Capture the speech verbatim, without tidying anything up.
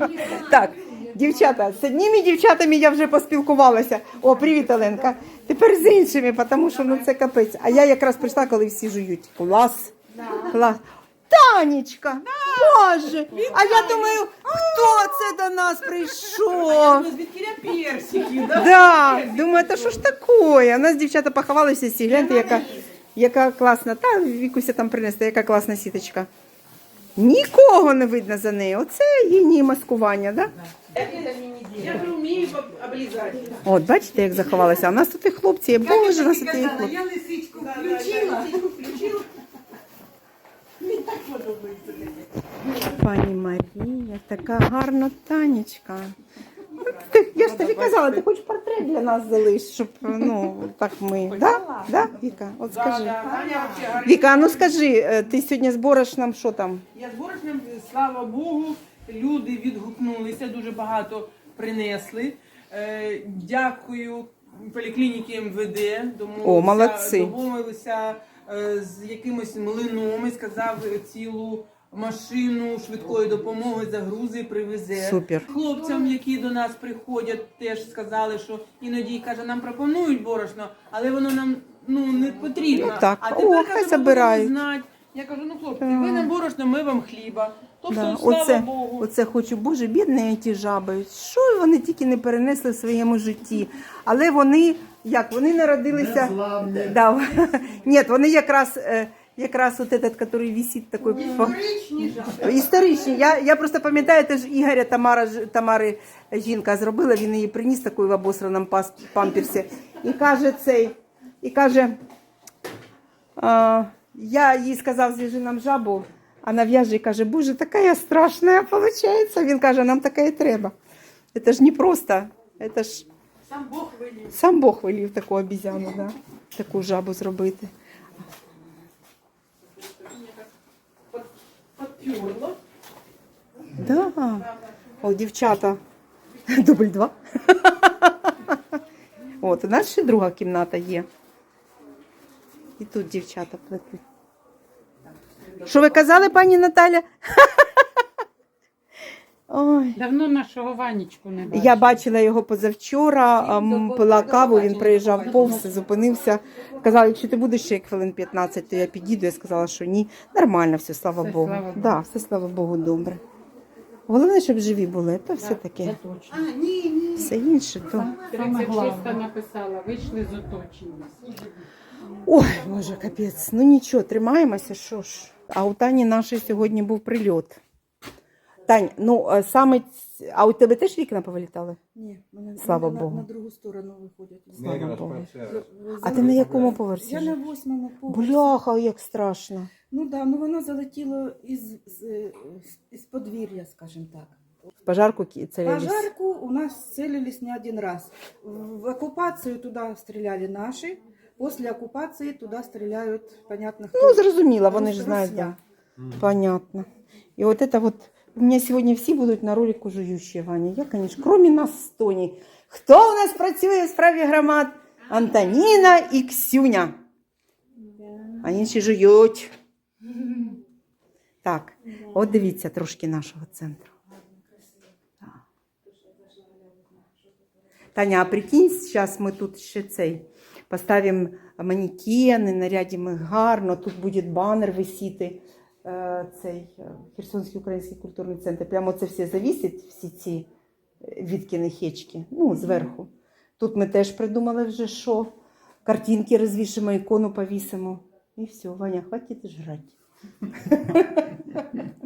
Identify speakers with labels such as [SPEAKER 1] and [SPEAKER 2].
[SPEAKER 1] Так, дівчата, з одніми дівчатами я вже поспілкувалася. О, привіт, Оленка. Тепер з іншими, тому що ну це капець. А я якраз прийшла, коли всі жують. Клас. Клас. Танечка, Боже, а я думаю, хто це до нас прийшов?
[SPEAKER 2] Звідкіля персики, да?
[SPEAKER 1] Да, думаю, та що ж таке? У нас дівчата поховалися всі, гляньте, яка, яка класна. Та Вікуся там принесла, яка класна сіточка. Нікого не видно за нею. Оце її маскування, да?
[SPEAKER 2] Я вже вмію облізати.
[SPEAKER 1] От, бачите, як заховалася. А у нас тут і хлопці є. Боже, у нас тут і хлопці.
[SPEAKER 2] Я лисичку включила. включила. Мені так подобається.
[SPEAKER 1] Пані Марія, така гарна Танечка. Ти, я ж тобі казала, ти хоч портрет для нас залиш, щоб, ну, так ми, да? Да, Віка? От скажи.
[SPEAKER 2] Таня взагалі.
[SPEAKER 1] Віка, а ну скажи, ти сьогодні збориш нам що там?
[SPEAKER 2] Я з борошном, слава Богу, люди відгукнулися, дуже багато принесли. Е, Дякую поліклініки ем ве де,
[SPEAKER 1] О, молодці.
[SPEAKER 2] домовилися е, з якимось млином і сказав цілу машину швидкої допомоги загрузи привезе.
[SPEAKER 1] Супер.
[SPEAKER 2] Хлопцям, які до нас приходять, теж сказали, що іноді, каже, нам пропонують борошно, але воно нам ну не потрібно.
[SPEAKER 1] Ну, так.
[SPEAKER 2] А
[SPEAKER 1] О,
[SPEAKER 2] тепер,
[SPEAKER 1] хай
[SPEAKER 2] каже,
[SPEAKER 1] забирають.
[SPEAKER 2] ми будемо знати. Я кажу, ну хлопці, ви нам борошно, ми вам хліба. Тобто,
[SPEAKER 1] Да.
[SPEAKER 2] слава
[SPEAKER 1] Оце,
[SPEAKER 2] Богу.
[SPEAKER 1] оце хочу, Боже, бідні ті жаби. Що вони тільки не перенесли в своєму житті. Але вони, як, вони народилися... Да. Ні, вони якраз, е, якраз от этот, який висить такий...
[SPEAKER 2] Історичні жаби.
[SPEAKER 1] Історичні. Я, я просто пам'ятаю, теж Ігоря Тамара, ж- Тамари жінка зробила, він її приніс такою в обосраному пас- памперсі. І каже цей, і каже, а, я їй сказав, зв'яжи нам жабу, а нав'яже і каже, Боже, така я страшна, виходить. Він каже, нам така і треба. Це ж не просто, це ж
[SPEAKER 2] Сам Бог велів.
[SPEAKER 1] сам Бог велів таку обізяну, да? Таку жабу зробити.
[SPEAKER 2] Подпюрло.
[SPEAKER 1] Да. О, дівчата. Дубль два. От, у нас ще друга кімната є. І тут дівчата плетуть. Що ви казали, пані Наталя? Ой.
[SPEAKER 3] Давно нашого Ванечку не бачила.
[SPEAKER 1] Я бачила його позавчора, м, пила каву, він приїжджав повз, зупинився. Казали, якщо ти будеш ще як хвилин п'ятнадцять, то я підійду. Я сказала, що ні. Нормально все, слава
[SPEAKER 3] Все,
[SPEAKER 1] Богу.
[SPEAKER 3] слава Богу.
[SPEAKER 1] Да, все, слава Богу, добре. Головне, щоб живі були, то все
[SPEAKER 3] Це
[SPEAKER 1] таке.
[SPEAKER 3] точно.
[SPEAKER 2] А, ні, ні.
[SPEAKER 1] Все інше, то...
[SPEAKER 3] тридцять шість написала, вийшли з оточення.
[SPEAKER 1] Ой, Боже, капець. Ну нічого, тримаємося, що ж. А у Тані нашої сьогодні був прильот. Тань, ну е, саме, ць- а у тебе теж вікна повилітали?
[SPEAKER 4] Ні, мене
[SPEAKER 1] Слава
[SPEAKER 4] мене
[SPEAKER 1] Богу.
[SPEAKER 4] На, на другу сторону виходять.
[SPEAKER 1] Слава Богу.
[SPEAKER 4] Ви- ви
[SPEAKER 1] А ти
[SPEAKER 4] за-
[SPEAKER 1] на якому поверсі?
[SPEAKER 4] Я
[SPEAKER 1] ж?
[SPEAKER 4] на восьмому поверсі.
[SPEAKER 1] Бляха, як страшно.
[SPEAKER 4] Ну так, да, ну воно залетіло із, з, із подвір'я, скажімо так.
[SPEAKER 1] В пожарку ки- целились.
[SPEAKER 4] Пожарку у нас целились не один раз. В в оккупацию туда стреляли наши, после оккупации туда стреляют, понятно, кто.
[SPEAKER 1] Ну, зрозуміло, вони ж
[SPEAKER 4] Рус-
[SPEAKER 1] знають.
[SPEAKER 4] русня.
[SPEAKER 1] Да. Понятно. І от это вот, у меня сьогодні всі будуть на ролику жуючі, Ваня. Я, конечно, кроме нас з Тоні. Хто у нас працює в справі громад? Антоніна і Ксюня. А інші жують. Так, от дивіться трошки нашого центру. Так. Таня, а прикинь, зараз ми тут ще цей, поставимо манекени, нарядимо їх гарно, тут буде банер висіти, е, цей е, Херсонський український культурний центр. Прямо це все завісить, всі ці відкини хечки, ну, зверху. Тут ми теж придумали вже, що картинки розвішимо, ікону повісимо. І все, Ваня, хватить жрати.